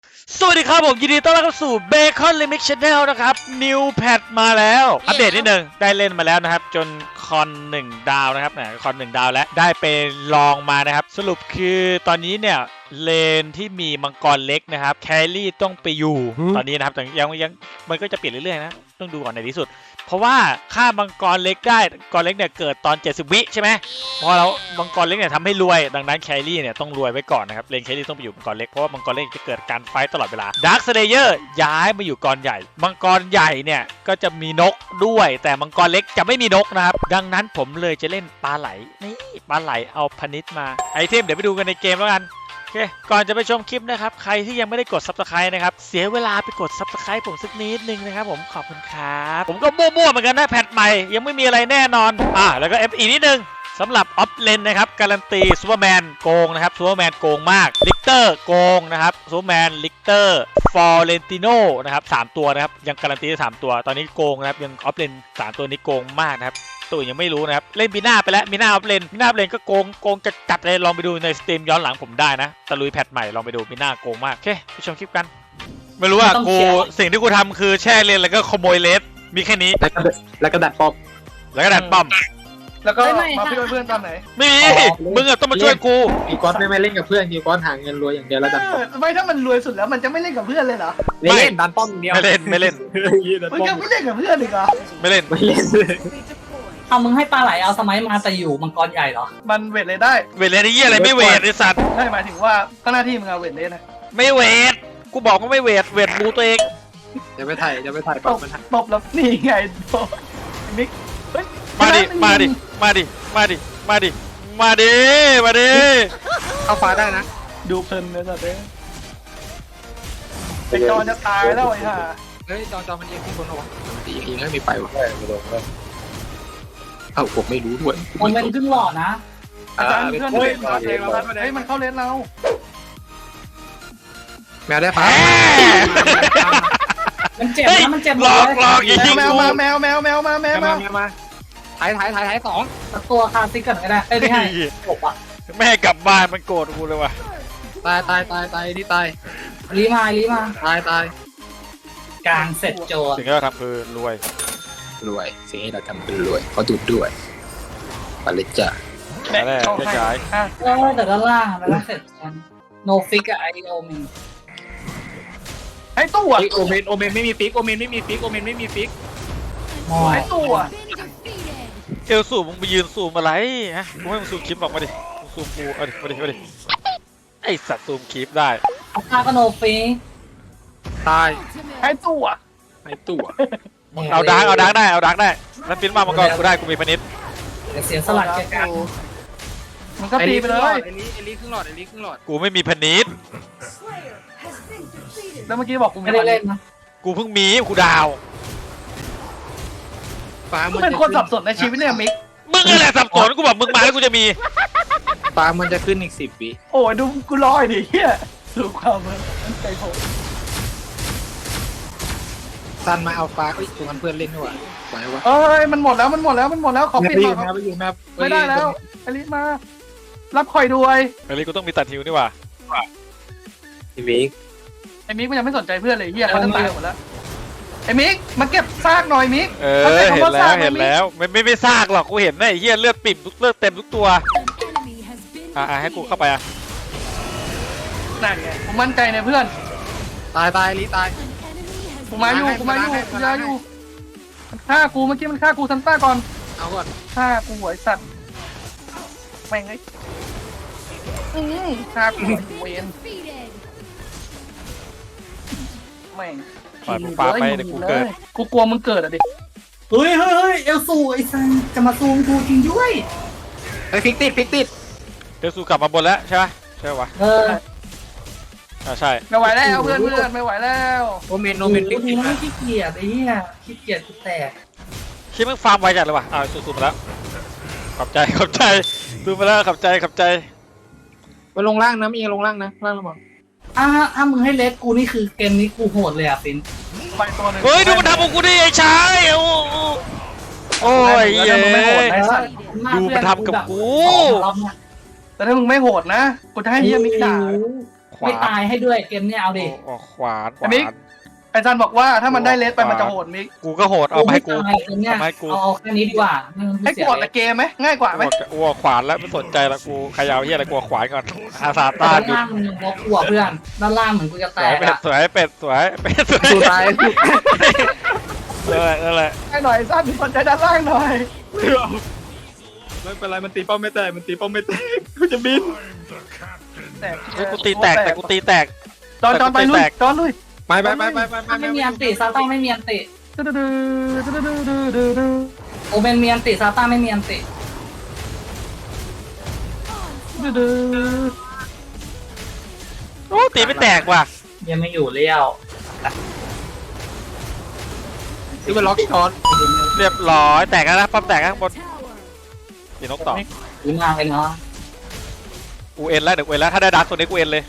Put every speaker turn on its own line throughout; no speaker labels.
สวัสดีครับผมยินดีต้อนรับเข้าสู่ Bacon Remix Channel นะครับ New Patch มาแล้วอัปเดตนิดนึงได้เล่นมาแล้วนะครับจนคอน1ดาวนะครับคอน1ดาวแล้วได้ไปลองมานะครับสรุปคือตอนนี้เนี่ยเลนที่มีมังกรเล็กนะครับแครี่ต้องไปอยู่ตอนนี้นะครับแต่ยังมันก็จะเปลี่ยนเรื่อยๆนะต้องดูก่อนในที่สุดเพราะว่าค่ามังกรเล็กได้มังกรเล็กเนี่ยเกิดตอน70วิใช่ไหมพอแล้วมังกรเล็กเนี่ยทำให้รวยดังนั้นแครี่เนี่ยต้องรวยไว้ก่อนนะครับเลนแครี่ต้องไปอยู่มังกรเล็กเพราะว่ามังกรเล็กจะเกิดการไฟต์ตลอดเวลาดาร์คสเลเยอร์ย้ายมาอยู่กรใหญ่มังกรใหญ่เนี่ยก็จะมีนกด้วยแต่มังกรเล็กจะไม่มีนกนะครับดังนั้นผมเลยจะเล่นปลาไหลนี่ปลาไหลเอาพนิชมาไอเทมเดี๋ยวไปดูกันในเกมแล้วกันโอเคก่อนจะไปชมคลิปนะครับใครที่ยังไม่ได้กด Subscribe นะครับเสียเวลาไปกด Subscribe ผมสักนิดนึงนะครับผมขอบคุณครับผมก็มั่วๆเหมือนกันนะแพทใหม่ยังไม่มีอะไรแน่นอนแล้วก็ FE นิดนึงสำหรับออฟเลนนะครับการันตีซูเปอร์แมนโกงนะครับซูเปอร์แมนโกงมากลิกเตอร์โกงนะครับซูเปอร์แมนลิกเตอร์ฟอร์เรนติโนนะครับ3ตัวนะครับยังการันตีได้3ตัวตอนนี้โกงนะครับยังออฟเลน3ตัวนี้โกงมากนะครับตัวยังไม่รู้นะครับเล่นบีน่าไปแล้วบีน่าออฟเลนบีน่าออฟเลนก็โกงจะจัดเลยลองไปดูในสตรีมย้อนหลังผมได้นะตะลุยแพทใหม่ลองไปดูบีน่าโกงมากโอเคไปชมคลิปกันไม่รู้ว่ากูสิ่งที่กูทำคือแช่เลนแล้วก็ขโมยเลสมีแค่นี้
แล้วก็ดัดป๊อป
แล้วก็ดัดป้อม
แล้วก็มาพี่เพื่อนตอนไหน
ไม่มีมึงอะต้องมาช่วยกู
กีกอสไม่เล่นกับเพื่อนกีกอสหาเงินรวยอย่างเดียวแล้วดันป๊อป
ไม่ถ้ามันรวยสุดแล้วมันจะไม่เล่นกับเพื่อนเลยเหรอ
เล่นดันป้อมเดียว
ไม่เล่น
มันก็ไม่เล่นกับเพื่อนอีกเหรอ
ไม่เล่น
เอามึงให้ปลาไหลเอาสมัยมาแต่อยู่มังกรใหญ่เหรอ
มันเวทเลยได้
เวทเลยไอ้เหี้ยอะไรไม่เวทไอ้สัตว์
ใช่หมายถึงว่าก็หน้าที่มึงเอาเวทเลยนะ
ไม่เวทกูบอกว่าไม่เวทบูตัวเอง
จะไปถ่าย
ตบแล้วนี่ไงโตมิก
มาดิ
เข้าฟ้าได้นะ
ดูเพลินเลยสัตว์ไอจอนจะตายแล้วไอ้ห่า
เฮ้ยจอมันเอียงขึ้นบนหรอวะมันตีเองไม่ไปวะเอ้าผมไม่รู้ด้วย
มันเป็นครึ่งหลอดนะ
อาจารย์เพื่อนเฮ้ยมันเข้าเลนเรา
แมวได้ฟ้า
มันเจ็บนะมันเจ็บ
หลอกอีกที
แมวมา
ถ่ายสอง
ตัวคาซิกกันก็ได้ไม่ให้จบอ่ะ
แม่กลับบ้านมันโกรธกูเลยว่ะ
ตายนี่ตาย
รีมา
ตาย
กลางเสร็จโจ
สิ่งที่เราทำคือรวย
สิ่งที่เราทำคือรวยเขาดูด้วยปาเลจ่า
แม่เข้าให้
แต่ด้านล่างแล้วเสร็จกันโนฟิกกับไอโอเมน
ไอ้ตัว
โอเมนไม่มีฟิก
ไอ้ตัว
เอลสูมึงไปยืนซูมอะไรฮะกูให้มึงซูมคลิปออกมาดิซูมกูเอาดิไอสัตว์ซูมคลิปได้
ตากโนฟิก
ตาย
ไอ้ตัว
เอาดักได้นั่นปิ้นมาก่อนกูได้กูมีพนิช
เสียสลัดแกกัน
มันก็ตีไปเลย
เอลี่ครึ่งหลอด
กูไม่มีพนิช
แล้วเมื่อกี้บอกกู
ไม่ได้เล่นนะ
กูเพิ่งมีกูดาว
มึงเป็นคนสับสนในชีวิตเนี่ยมิก
มึงอะไรสับสนกูบอกมึงมาแล้วกูจะมี
ฟ้ามันจะขึ้นอีก10 วิ
โอ้ยดูกูรอดิเฮียดูความมันใจโหด
ซันมาเอาฟ้าตัวเพื่อนเล่นด้วยไหววะ
เอ้ยมันหมดแล้วขอปิดหน่อยไม่ได้แล้วอลิสมารับคอยด้วย
อลิสกูต้องมีตัดฮิวนี่ว่ะ
ไอ้มิก
มันยังไม่สนใจเพื่อนเลยเฮียเขาจะตายหมดแล้วไอ้มิกมาเก็บซากหน่อยมิก
เห็นแล้วไม่ซากหรอกกูเห็นนะไอ้เหี้ยเลือดปิ่มเลือดเต็มทุกตัวให้กูเข้าไป
นั่นไงผมมั่นใจในเพื่อน
ตายลิตาย
กูมาอยู่มันฆ่ากูเมื่อกี้มันฆ่ากูซันต้าก่อน
เอาก่อน
ฆ่ากูหวยสัตว์แม่งไอ้ฆ่ากูเวนแม่ง
ปล่อยมึงปาไปเดี๋ยวกูเกิด
กูกลัวมึงเกิดอ่ะดิ
เฮ้ยเอลซูไอ้ซันจะมาซูมกูจริงด้วย
ไอ้ฟิกติด
เอลซูกลับมาบนแล้วใช่ไหมใช่วะใช่
ไม่ไหวแล้วเพื่อนไม่ไหวแล้ว
โอเมน
ฟิกไม่ขี้เกียจไอ้เหี้ยขี้เกียจกูแตก
คิดมึงฟาร์มไวจัดเลยว่ะซูมมาแล้วขอบใจซูมมาแล้วขอบใจ
มาลงล่างนะมีลงล่างนะล่างระบอก
ถ้ามึงให้เลสกูนี่คือเกมนี้กูโหดเลยอ่ะฟิน
ไปตัวนึง
เฮ้ยดูมันทำของกูดิไอ้ชายโอ้ยเย้ดูมันทำกับกู
แต่ถ้ามึงไม่โหดนะกูจะให้เฮียมิกด่า
โหขวา
ไม่ตายให้ด้วยเกมเนี้ยเอาดิ
ออกขวานข
ไอ้
วา
มิก
น
ไอ้จันบอกว่าถ้ามันได้เลสไปมันจะโหดมิก
กูก็โหดเอามาให้กู
ไม่ตายเกมเนี้ย
เอามาให้กู
เอาแค่นี้ดีกว่า
ให้กดแต่เกมไหมง่ายกว่าไหม
กูออกขวานแล้วไม่สนใจละกูขยาวเฮียอะไรกูออกขวานก่อนอาซา
ด้า
ต้าน หยุด
ล่างมันยังบล็อกหัวเพื่อนด้านล่างเหมือนกูจะ
ส
แต
วย
ก
เป็ด
อะ
สวยเป็ดสวยเป็ดสวย
สู้ตาย
นั่นแหละ
ให้หน่อยสั้นสนใจด้านล่างหน่อย
ไม่เป็นไรมันตีเป้าไม่แตกมันตีเป้าไม่แตกกูจะบิน
แตก
เฮ้ยกูตีแตกแต่กูตีแตก
จอนไปลุยจอนลุย
ไปไปไปไปไป
ไม่มีอันติซาต้าไม่มีอันติ
ดื้อ
โอเบนมีอันติซาต้าไม่มีอันติ
โอ้ตีไม่แตกว่ะ
ยังไม่อยู่เลี้ยว
ซื้อมาล็อกช้อน
เรียบร้อยแตกแล้วนะปั๊มแตกข้างบนตีนกต่อ
ดีมากเลยเนาะ
กูเอ็นแล้วเดี๋ยวกูเอ็นแล้วถ้าได้ดักตัวนี้กูเอ็นเลย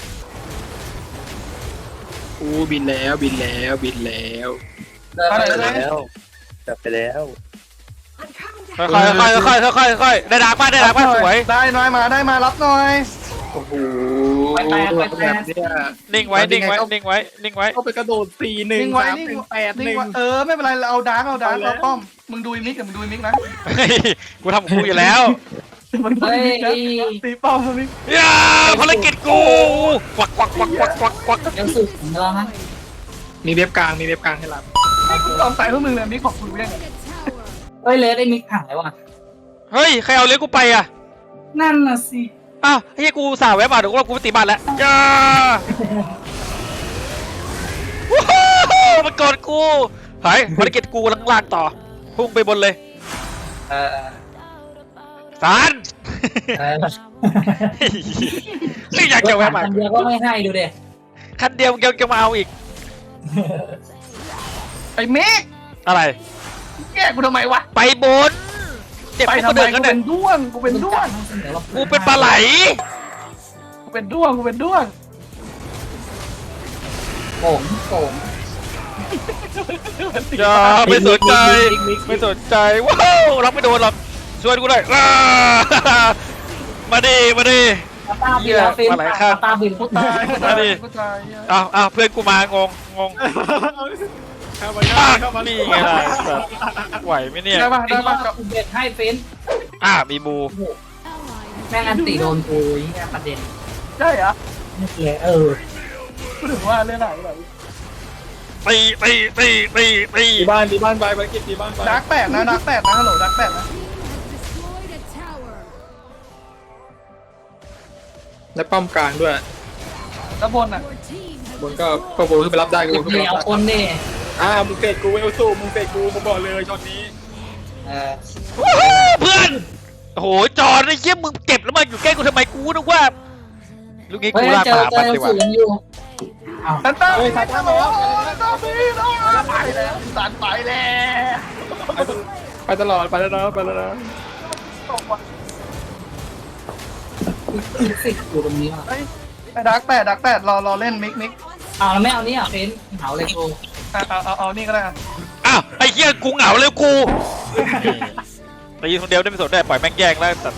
กูบินแล้วบินแล้วบินแล้ว
เดินไปเลย
จับไปแล้ว
ค่อยๆได้ดักมาได้ดักมาสวย
ได้หน่อยมาได้มารับหน่อย
โอ้โห
ไปแตก
เนี่ย
นิ่งไว้นิ่งไว้นิ่งไว้นิ่งไว้
เข้าไปกระโดด4-1
นิ่งไว้
3-1
นิ่ง
8-1
นิ่งไว้ไม่เป็นไรเราเอาดาร์กเราป้อมมึงดูมิกกับมึงดูมิกนะ
เฮ้ยกูทำของกูอยู่แล้ว
มึงดูมิกนะตีป้อมมิก
ย่าภารกิจกูควัก
ยังสุดของเรานะ
มีเว็บกลางมีเว็บกลางให้รับ
ยอมใส่พวกมึงเลยมิกของกูยังไง
เฮ้ยเลสไอ้มิกผ่านแล้วว่ะ
เฮ้ยใครเอาเลี้ยงกูไปอ่ะ
นั่นน่ะสิ
อ้าวเฮ้ยกูสาวแวบมาเดี๋ยวกูไปตีบ้านแล้วย่าวู้ฮู้มันกดกูเฮ้ยภารกิจกูลังลากต่อพุ่งไปบนเลย
เออ
สาร ไม่อยากจะแวะมา
คันเดียวก็ไม่ให้ดูเด็
คันเดียวเกี่ยวมาเอาอีก
ไอ้มิก
อะไร
แกกูทำไมวะ
ไปบนเจ็บ
ไป
กู
ทำ
ก็
ไม
เดิน
กู
กัน
เป็
เนี่ย
นด้วงกูเป็นด้วง
กูเป็นปลาไหล
กูเป็นด้วงกูเป็นด้วง
ผมผม
อย่าไม่สนใจไม่สนใจว้าวรับไม่โดนหรอกช่วยกูหน่อยอ้ามาดิมาดิ
ตาบินแล้วฟินตาบิน
กูตายกูตายกูตาย
อ้าวเพื่อนกูมางง
เข้ามา
อ้าว
เข้ามา
นี่ไงล่ะสัตว์ไหวไหมเนี่ย
ได้ปะได้ปะ
อุเบกให้ฟิน
มีบู
แม่งอันติโดนกูนี่ประเด็น
ใช่เหรอ
ไม่เกี่ย
กูถึงว่าเรื่องไหนแบบ
ตี
ตีบ้านไปภารกิจตีบ้านไป
ดักแปดนะดักแปดนะฮัลโหลดักแปดนะ
และป้อมกลางด้วย
ด้านบนอ่ะ
บนก็บนขึ้นไปรับได้กูขึ้นไป
เดี๋
รั
ยว
บ
คนนี่
มึงเตะกูเอลสู้มึงเตะกูบอกเลยช็อตนี้
เพื่อนโอ้โหจอไอ้เยี่ยมึงเก็บแล้วมาอยู่ใกล้กูทำไมกูนึกว่าลูกนี้
เฮ้ย
กูลาก
เจอ
มา
เจ
ปัด
อ
ดีกว่า
สูงอยู่อ้าว
ตันต้าตันต้าตันปีนไปแล้วตันไปแล้ว
ไปตลอดไปแล้วนะไปแล้วนะ
สิอยู่ตรงนี้อ่ะ
ไอ้ดักแปดรอเล่นมิก
อ้าวแล้วไม่เอานี่อ่ะฟินเหาเลยกู
เอานี่ก็ได้
อ้าวไอ้เหี้ยกูเหงาเลยกูตีคนเดียวได้ไม่สนได้ปล่อยแม่งแย่งแล้วแต่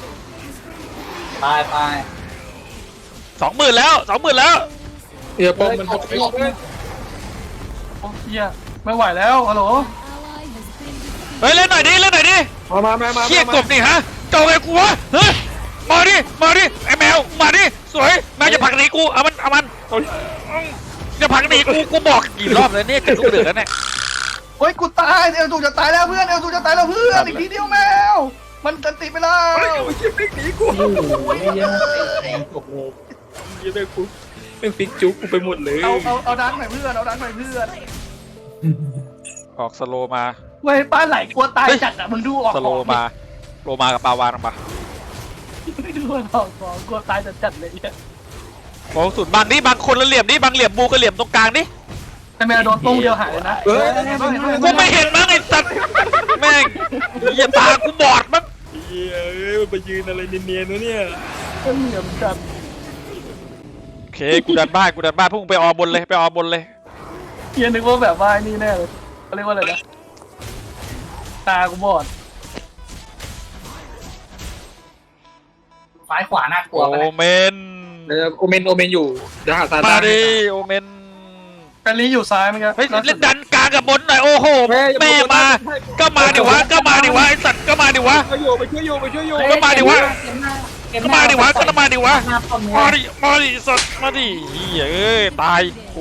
ไป
20,000แล้ว20,000แล้ว
เดี๋ยวป้อมมันหดไป
โอ้เหี้ยไม่ไหวแล้วฮัลโหล
เฮ้ยเล่นหน่อยดิ
มา
เหี้ยกบนี่ฮะเจ้าไงกูวะเฮ้ยมาดิไอ้แมวมาดิสวยแมวจะผลักหนีกูเอามันจะผลักหนีกูบอกกี่รอบแล้วเนี่ยกระทุกเดือดแล้วเนี่ย
เฮ้ยกูตายเอลจูจะตายแล้วเพื่อนเอลจูจะตายแล้วเพื่อนอีกทีเดียวแมวมันตันติไปแล้ว
หนีกู
อยู่ไม่เยอะแรงจบเลย
ยังไม่กูเป็นฟิกจุกกูไปหมดเลย
เอาดักหน่อยเพื่อนเอาดักหน่อยเพื่อน
ออกสโลมา
เว้ยป้าไหลกลัวตายจัดอ่ะมึงดูออก
สโลมาโลมากับปาวานปะ
ไม่ดูออกกลัวตายจัดเลยเนี่ย
โอ้สุดบางนี่บางคนละเหลี่ยมนี่บางเหลี่ยมบูก็เหลี่ยมตรงกลางนี่
แต่แมวโดนตุ้งเดียวหายเลยนะ
กูไม่เห็นมั้งไอ้สัตว์แม่งอย่าตากูบอดมั้ง
เฮ้ยมันไปยืนอะไรเนียนๆวะเนี่ย
เหลี่ยมจัด
โอเคกูดันบ้านพวกมึงไปออบนเลย
เฮียนึกว่าแบบว่านี่แน่เลยเขาเรียกว่าอะไรนะตากูบอด
ซ้ายขวาน่ากลัวไป
โอเมน
โอเมนอยู่เดี๋ยวหาซา
มา
ตาน
ดิโอเมน
แฟนลีอยู่ซ้ายมั้งครับ
เฮ้ยเล่นดันกลางกับบนหน่อยโอ้โหแม่มาก็มาดิวะก็มาดิวะไอสัตว์ก็มาดิวะ
ไปช่วยอยู่
ก็มาดิวะ
เกม
ก็
หน้
มาดิวะก็มาดิวะ
หน้าป้อม
มา
เนี่ย
ดิมาดิสัตว์มาดิเฮ้ยเอ้ยตายกู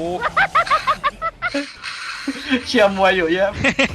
เชียร์มวยอยู่เยอะ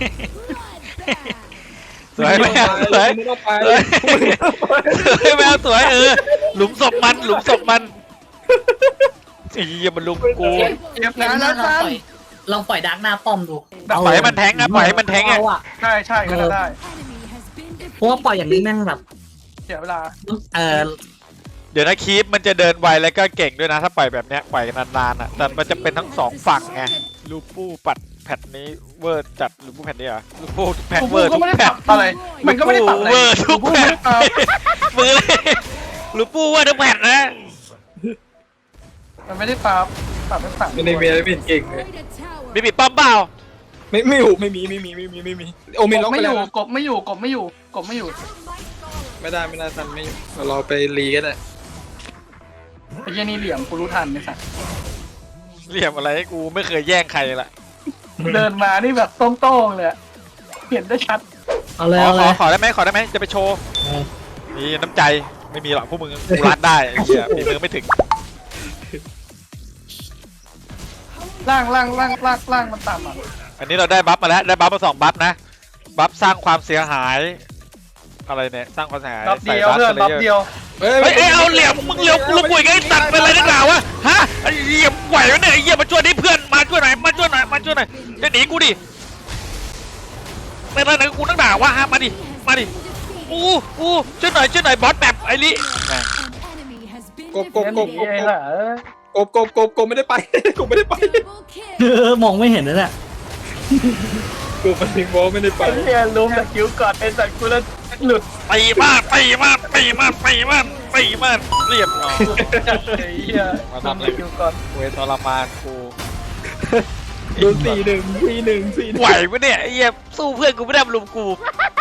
สวยไหมสวย
ไม่ต้องไป
สวยแมวสวยหลุมศพมันหลุมศพมันไอ้เหี้ยมันลุมกู
เก็บ
เก
งาม น
หน้า
แล้ว
ลองปล่อยดักหน้าป้อมดู
ปล่อยให้มันแทงอะปล่อยให้มันแทงอะ
เอาอะ
ใช่ก็ได้
เพราะว่าปล่อยอย่างนี้แม่งแบบ
เสียเวลา
เดี๋ยวนะคีปมันจะเดินไวแล้วก็เก่งด้วยนะถ้าปล่อยแบบเนี้ยปล่อยนานๆอ่ะแต่มันจะเป็นทั้งสองฝั่งไงลูปูปัดแพทนี้เวอร์จัดลูปูแพทนี้เหรอลูปูแพท
กู
เวอร์
ก็
ทุก
ไม่ได้
แพ
ป
ท
รับอะไร มันก็ไม่ได้ปรับอะไร
เวอร์ทุก
กู
แพ
ไม่
ท
ได้ปรับ
มือเลยลูปูเวอร์ทุกแพทนะ
มันไม่ได้ปรับไม่ปรับ
ไม่ได้มีอะไรเป็นเก่งเลย
มีปิดป้อมเปล่า
ไม่อยู่ไม่มีโอเมนล็อก
ไม่
ไป
อ
แล้ว
ยู่กบไม่อยู่
ไม่ได้ทันไม่อยู่เราไปรีกันเลย
ไอ้เหี้ยนี่เหลี่ยมกูรู้ทันไอ้สัส
เหลี่ยมอะไรให้กูไม่เคยแย่งใครละ
เดินมานี่แบบโต้งๆเลยเห็นได้ชัด
เอาเลยเอาเลย
ขอได้ไหมจะไปโชว์นี่น้ำใจไม่มีหรอกพวกมึงกูรัดได้ไอ้เหี้ยฝีมือไม่ถึง
ล่างมันต่ำอ่ะ
อันนี้เราได้บัฟมาแล้วได้บัฟมา2บัฟนะบัฟสร้างความเสียหายอะไรเนี่ยสร้างความเสียหาย
บัฟเดียวเพื่อนบัฟเดียว
เฮ้ยเอาเหลี่ยมมึงเหลี่ยมลูกปุ๋ยไงตัดเป็นอะไรนักหนาวะฮะไอ้เหลี่ยมไหววะเนี่ยไอ้เหี้ยมาช่วยดิเพื่อนมาช่วยหน่อยจะหนีกูดิเป็นอะไรกูนักหนาวะฮะมาดิอู้ช่วยหน่อยบอสแบบไอ้ลิ
กบ
ไอ้ห่าก
บไม่ได้ไปกบไม่ได้ไป
มองไม่เห็นนะเนี่ย
กบมันถึงบอกไม่ได้ไป
ไอ้เหี้ยล้มตะกิ้วก่อนไอ้สัตว์กูแล้วหลุด
ตีมากเรียบร้อย
ไอ้เหี้ยล้มตะกิ้วก่อน
เวทรมานกู
โดน4-1
ไหวปะเนี่ยไอ้เหี้ยสู้เพื่อนกูไม่ได้มาลุมกู